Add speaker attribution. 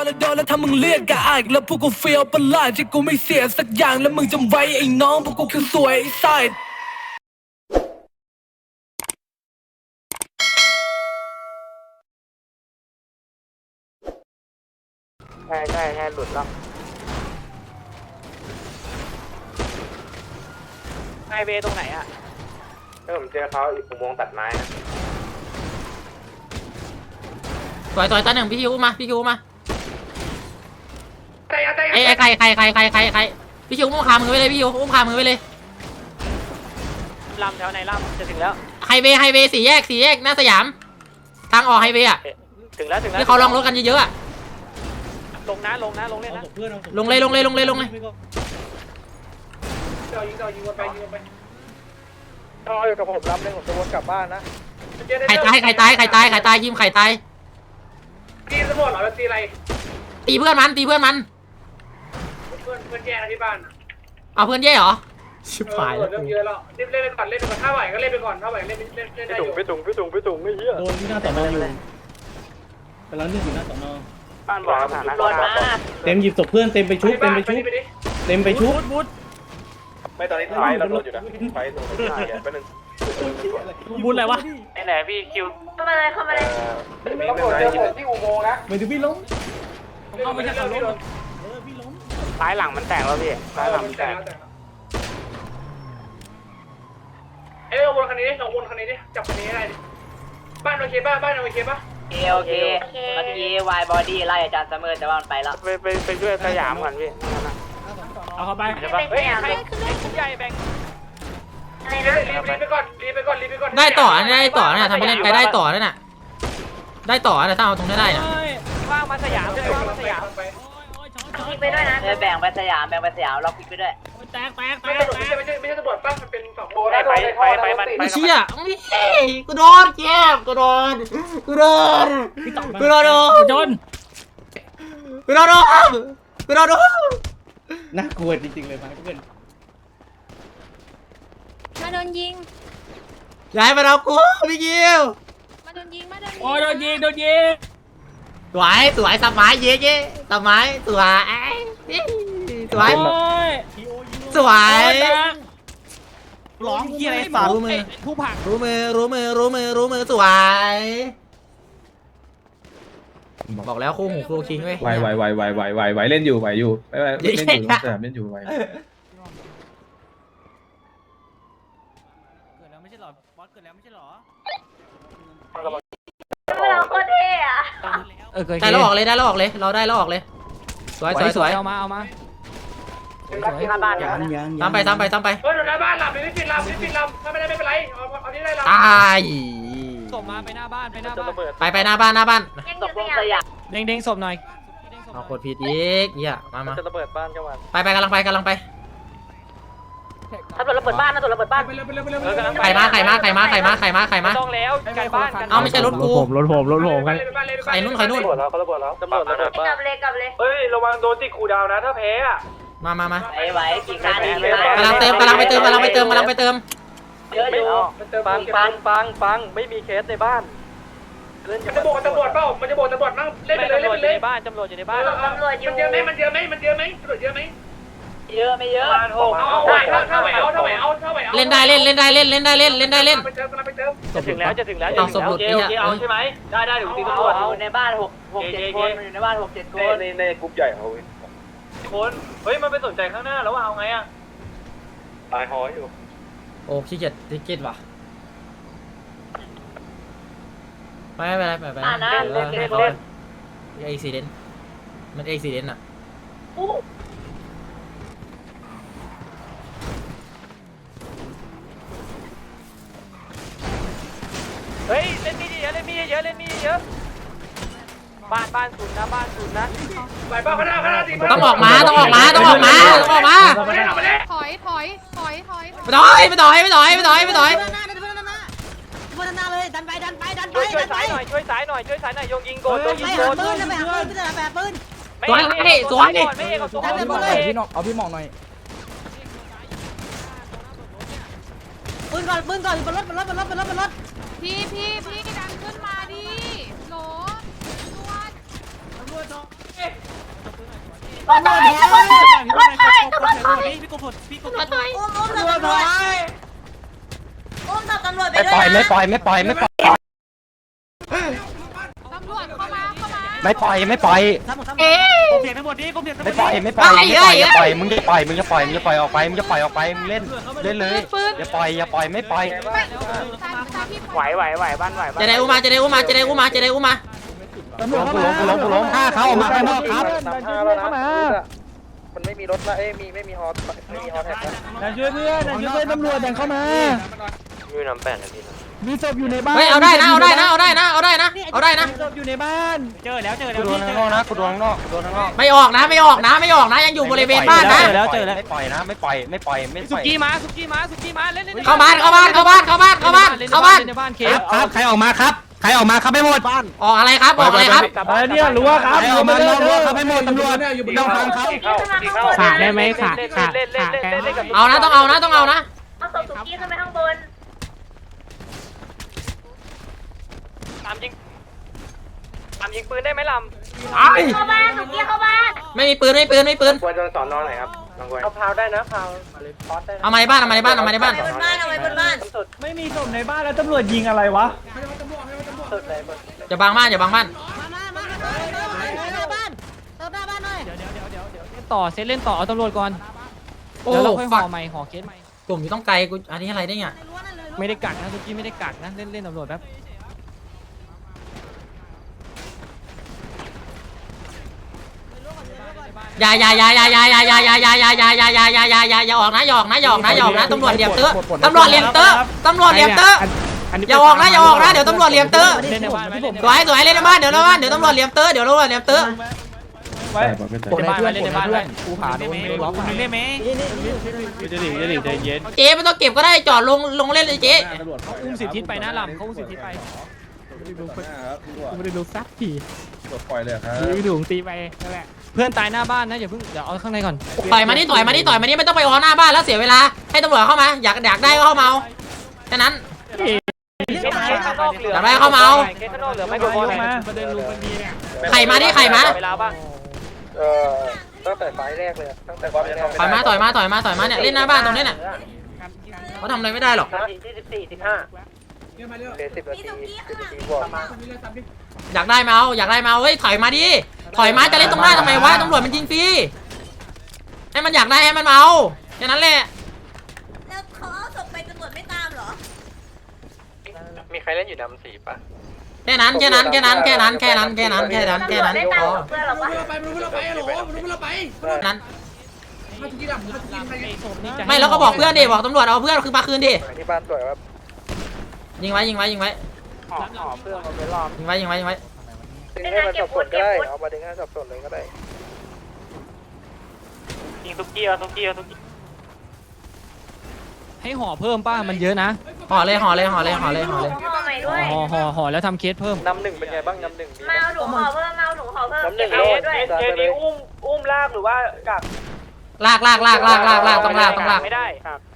Speaker 1: แล้วโดนแล้วถ้ามึงเรียกกะอายแล้วพวกกูเฟียวประหลาดที่กูไม่เสียสักอย่างแล้วมึงจำไว้ไอ้น้องพวกกูคือสวยไอ้ไซด์
Speaker 2: ใช่หลุดแล้วไฮเวย์ตรงไหนอ่ะผมเจอเขาอีกอุโมงค์ตัดไม้นะ
Speaker 3: ต่อยตาหนึ่งพี่คิวมาพี่คิวมาไอ้ใครพี่คิวอุ้มขามือไปเลยพี่คิวอุ้มขามือไปเลย
Speaker 2: ลำแถวไหนลำจะถึงแล้ว
Speaker 3: ไฮเวย์สี่แยกหน้าสยามทางออกไฮเวย์อ่ะ
Speaker 2: ถึงแล้ว
Speaker 3: ที่เขาลองรถกันเยอะๆอ่ะ
Speaker 2: ลงเล่นนะลงเลยยิงไปต่ออยู่กับผมรับเลยผมจะวนกลับบ้านนะ
Speaker 3: ไข่ตายยิมไข่ตาย
Speaker 2: ตีสมบูรณ์เหรอตีอะไร
Speaker 3: ตีเพื่อนมัน
Speaker 2: เพื่อนแย่ที่บ้าน
Speaker 3: เอาเพื่อนแย่เหรอชิบหายแล้ว
Speaker 2: เริ่มเยอะแล้วรีบเล่นไปก่อนถ้าไหวก็เล่นไปก่อนถ้าไหวเล่นได้อยู่ไปตุงไม่เหี้ย
Speaker 4: โดนที่หน้าสอนออยู่กำลังเลือกอยู่หน้าสอนอ
Speaker 2: บ้านบอกสถานะ
Speaker 4: เต็มหยิบศพเพื่อนเต็มไปชุบ
Speaker 2: ไม่ตอนนี้ไฟเราโดนอยู่นะไฟโดนไม่ได้ไปหนึ่ง
Speaker 4: บุญอะไรวะ
Speaker 2: ไหนพี่คิว
Speaker 5: เข้ามาเลย
Speaker 2: ต้องกดเจอผมที่อุโมงค์นะ
Speaker 4: ไม่ถึงพี่ล้มเข้าไม่ใช่เขาล้ม
Speaker 2: พี่ล้มซ้ายหลังมันแตกแล้วพี่ซ้ายหลังมันแตกเอาวนคันนี้ดิลองวนคันนี้ดิจับคันนี้ได้ดิบ้านโอเคป่ะโ
Speaker 5: อเคเมื่อกี้วายบอดี้ไล่อาจารย์เสมอแต่ว่ามันไปแล้ว
Speaker 2: ไปช่วยสยามก่อนพี่
Speaker 4: เอาเข้าไป
Speaker 5: เฮ้ยใ
Speaker 2: หญ่แบ่ง
Speaker 5: อะไรนะ
Speaker 2: รีบไปก่อน
Speaker 3: ได้ต่อเนี่ยทำไปเล่นไปได้ต่อนั่นน่ะได้ต่อนะถ้าเอาตรงนี้ได้นะ
Speaker 2: ว่างมาสยาม
Speaker 5: ไปด้วยนะแบ่งไปสยามล็อกพิกไปด้วย
Speaker 2: แตกไม่ใช่ตำรวจป่ะมันเป็นสองโบได้ไปมัน
Speaker 3: เชี่ยกูโดนแก้มกูโดน
Speaker 4: น่ากลัวจริงๆเลยเพื่อน
Speaker 5: มาโดนยิง
Speaker 3: ย้ายมาเรากูพี่ยิว
Speaker 5: มาโดนยิง
Speaker 4: โอ้โดนยิง
Speaker 3: สวยสมัยเย่สมัยสวย
Speaker 4: ร้องเฮียอะไรสารรู้มือ
Speaker 3: สวยบอกแล้วคู่หูครูคิงเว้ย
Speaker 6: ไหวเล่นอยู่เล่นอยู่เล่นอยู่ไหว
Speaker 4: ไม่ใช่หรอบอสเกิดแล้วไม่ใช่หรอ
Speaker 5: เราโคตรเท่อะ
Speaker 3: ได้แล้วออกเลยเราได้แล้วออกเลยสวย
Speaker 4: เอามา
Speaker 3: ตามไป
Speaker 2: เฮ้ยหน้าบ้านหลับไม่ปิดลำถ้าไม่ได้ไม่เป็นไรเอาที่ได้ลำ
Speaker 3: ตาย
Speaker 4: ส่งมาไปหน้าบ้าน
Speaker 3: ไปหน้าบ้าน
Speaker 5: ตกลงสยาม
Speaker 4: เด้งศพหน่อย
Speaker 3: เอากดผิดอีกเนี่ยมา
Speaker 2: จะระเบิดบ้านกันวัน
Speaker 3: ไปกำลังไป
Speaker 5: ถ้าระเบิดบ้าน
Speaker 3: ใครมา
Speaker 2: ต้องแล้วกันบ้านกัน
Speaker 3: เอาไม่ใช่รถกู
Speaker 4: รถผมกัน
Speaker 3: ใครนู่น
Speaker 2: เขาระเบิดแล้วตำรวจ
Speaker 5: กลับเลย
Speaker 2: เฮ้ยระวังโดนติดคูดาวนะถ้าแพ้อะ
Speaker 3: มา
Speaker 5: ไหวกี่ครั้ง
Speaker 3: กำลังไปเติม
Speaker 5: เยอะอยู่
Speaker 2: ฟังไม่มีเคสในบ้านมันจะโบกตำรวจเปล่ามันจะโบกตำรวจนั่งเล่นไปเลยบ้านตำรวจอยู่ในบ้าน
Speaker 5: ตำรวจอยู่
Speaker 2: มันเยอะไหมตำรวจเยอะไหม
Speaker 5: เยอะไม่เยอะ
Speaker 2: ถ้าไหวเอา
Speaker 3: เล่นได้เล่น
Speaker 2: จะถึงแล้ว
Speaker 3: เอาสมบูรณ์
Speaker 2: เอาใช่ไหมได้ถึงตีตำรวจ
Speaker 5: อยู่ในบ้าน6-7 คนอยู่ในบ้าน6-7 คน
Speaker 2: ในกลุ่มใหญ่เขาคนเฮ้ยมันไปสนใจข้างหน้าแล้วว่าเอาไงอะตายหอยอยู่
Speaker 3: โอ้ขี้เกียจว่ะไป
Speaker 5: นะเล่น
Speaker 3: เอ็กซิเดนต์มันเอ็กซิเดนต์อ่ะ
Speaker 2: เฮ้ยเล่นมีเยอะบ้านศูนย์นะไปบ้านข้างหน้า
Speaker 3: ต้องออกมา
Speaker 5: ถอย
Speaker 3: ไม่ต่อยไม่ต่อย
Speaker 5: บนหน้าเลยดันไป
Speaker 2: ช่วยสายหน่อยโยงยิงโกด
Speaker 5: ปืน
Speaker 3: สวยดิ
Speaker 4: เอาพี่หมองหน่อย
Speaker 5: ปืนก่อนบนรถพี่ดันขึ้นมาดิโหล
Speaker 7: ไม่ปล่อยไม่ปล่อยไม่ปล่อยไม่ปล่อยไม่ปล่อยไม่ปล่อยไม่ปล่อยไม่ปล่อยอย่าปล่อยมึงจะปล่อยมึงจะปล่อยมึงจะปล่อยออกไปมึงจะปล่อยออกไปมึงเล่นเล่นเลยอย่าปล่อยอย่าปล่อยไม่ปล่อย
Speaker 2: ไหวบ้านไหว
Speaker 3: จะได้อุ้มมาจะได้อุ้มมาจะได้อุ้มมาจะได้อุ้มมา
Speaker 7: กูล้มฆ่าเขาออกมาข้างนอกครับ
Speaker 2: มันไม่มีรถละไม่มีฮอแท็กละ
Speaker 4: ช่วยเพื่อนช่วยเพื่อนตำรวจดันเข้ามา
Speaker 2: อยู่น้ำแป้นนะพี่
Speaker 4: มีศพอยู่ในบ้าน
Speaker 3: เฮ้ยเอาได้นะเอาได้นะเอาได้นะเอาได้นะเอาได้นะ
Speaker 4: มีศพอยู่ในบ้าน
Speaker 2: เจอแล้ว
Speaker 7: กูโดนข้างนอกนะกูโดนข้างนอกกูโดนข้างนอก
Speaker 3: ไม่ออกนะไม่ออกนะไม่ออกนะยังอยู่บริเวณบ้านนะ
Speaker 7: ไม่ปล่อยนะไม่ปล่อยไม่ปล่อยไม่ป
Speaker 2: สุ
Speaker 7: ล่อย
Speaker 2: กี้มาเล่น
Speaker 3: เข้าบ้านเข้าบ้านเข้าบ้านเข้าบ้านเข้าบ้านเข้าบ้าน
Speaker 2: ในบ้านเค
Speaker 7: ครับใครออกมาครับใครออกมาครับไม่หมด
Speaker 3: ออกอะไรครับออกอะไรครับ
Speaker 4: อะไรเนี่ยรู้ว่าครับ
Speaker 7: ใครออกมานอกรั้วครับไม่หมดตำรวจต้องฟังเขา
Speaker 2: ขาได้ไหมขากับ
Speaker 3: เอานะต้องเอานะต้องเอานะ
Speaker 5: เอาศพสุกี้ขึ้นไปข้างบน
Speaker 2: ตามยิงปืนได้ไหมล
Speaker 5: เข้าบ้านสุกี้เข้าบ้าน
Speaker 3: ไม่มีปืนไม่มีปืนไม่มีปืน
Speaker 2: ำควรจะสอนนอนไหนครับน้องกวยเอาพาวได้นะพาวพอสได้
Speaker 3: เอามาในบ้านเอามาในบ้านเอามาในบ้าน
Speaker 5: บนบ้านเอาไว้บนบ้าน
Speaker 2: สุด
Speaker 4: ไม่มีศพในบ้านแล้วตำรวจยิงอะไรวะ
Speaker 2: สุดเลย
Speaker 3: อย่าบังบ้านอย่าบังบ้าน
Speaker 2: ต่อเซตเล่นต่อเอาตำรวจก่อน
Speaker 3: โอ้
Speaker 2: เดี๋ยวเราค่อยห่
Speaker 3: ฝั
Speaker 2: อก ใหม่ห่อเคสใหม่
Speaker 3: กลุ่มอยู่ต้องไกลกูอันนี้อะไรได้เนี่ย
Speaker 2: ไม่ได้กักนะสุกี้ไม่ได้กักนะเล่นตำรวจแป๊บ
Speaker 3: อย่าออกนะอย่าออกนะอย่าออกนะอย่าออกนะตำรวจเหลี่ยมเตอะตำรวจเหลี่ยมเตอะตำรวจเหลี่ยมเตอะอย่าออกนะอย่าออกนะเดี๋ยวตำรวจเหลี่ยมเตอะ
Speaker 2: เล่นในบ้านไหม
Speaker 3: สวยเล่นในบ้านเดี๋ยวตำรวจเหลี่ยมเตอะเดี๋ยวตำรวจเหลี่ยมเตอะ
Speaker 4: ไว้
Speaker 2: เล่นในบ้านกูหาโดนไม่ล็อกมึงได้ไหม
Speaker 4: จะหลีใจเย็น
Speaker 3: เจ๊ไม่ต้องเก็บก็ได้จอดลงเล่นเลยเจ๊
Speaker 2: อุ้มสิทธิไปนะลำเขาอุ้มสิทธิไป
Speaker 4: กูไม่ได้รู้สักที
Speaker 6: ปล่อยเลยครับ
Speaker 4: ยืดถุงตีไปนั่นแหละ
Speaker 2: เพื่อนตายหน้าบ้านนะอย่าเพิ่งเดี๋ยวเอาข้างในก่อน
Speaker 3: ต่อยมานี่ไม่ต้องไปออหน้าบ้านแล้วเสียเวลาให้ตำรวจเข้ามาอยากได้ก็เข้ามาเอาแค่นั้น อย่าไปเข้ามาเอา
Speaker 2: เคสข้างนอกเหลือไม่โดนมาประเด็นลุงมันดีเนี่ย
Speaker 3: ไข่มาดิไข่มา
Speaker 2: เวลาบ้างตั้งแต่ไฟแรกเลยตั้งแต่วันแรก
Speaker 3: ต่อยมาเนี่ยเล่นหน้าบ้านตรงนี้น่ะเขาทำอะไรไม่ได้หรอก
Speaker 2: นาทีที่14 15เคส10 นาที10 บวกมา
Speaker 3: อยากได้มาเอาเฮ้ยถอยมาดิถอยมาจะเล่นตรงหน้าทำไมวะตำรวจมันยิงฟรีให้มันอยากได้ให้มันมาเอาแค่นั้นแหละ
Speaker 5: แล้วเขาเอาศพไปตำรวจไม่ตามเหรอ
Speaker 2: มีใครเล่นอยู่ดำสีป่ะ
Speaker 3: แค่นั้นพอ
Speaker 5: ได้ตามเพื่อนเหรอวะ
Speaker 3: นั้นไม่แล้วก็บอกเพื่อนดิบอกตำรวจเอาเพื่อนคือมาคืนดิ
Speaker 2: ที่บ้านสวยครับ
Speaker 3: ยิงไว้
Speaker 2: ห่อเพื่อนมาไปรอบ
Speaker 3: ยิงไว้
Speaker 2: ดึงให้มันสับสนก็ได้เอามาดึงให้สับสนเลยก็ได้ยิงทุกกี้ให้ห่อเพิ่มป้ามันเยอะนะ
Speaker 3: ห่อเลย
Speaker 5: ห่อใหม่ด้วย
Speaker 2: ห่อแล้วทำเคสเพิ่มน้ำหนึ่งเป็นไงบ้างน้ำหนึ่ง
Speaker 5: มาเอาหนูห่อเพิ่ม
Speaker 2: น้ำหนึ่ง
Speaker 5: เก็บ
Speaker 2: โล
Speaker 5: ไว้
Speaker 2: ด
Speaker 5: ด้วย
Speaker 2: เคสนี้อุ้มลากหรือว่ากัก
Speaker 3: ลากต้องลาก
Speaker 2: ไม่ได้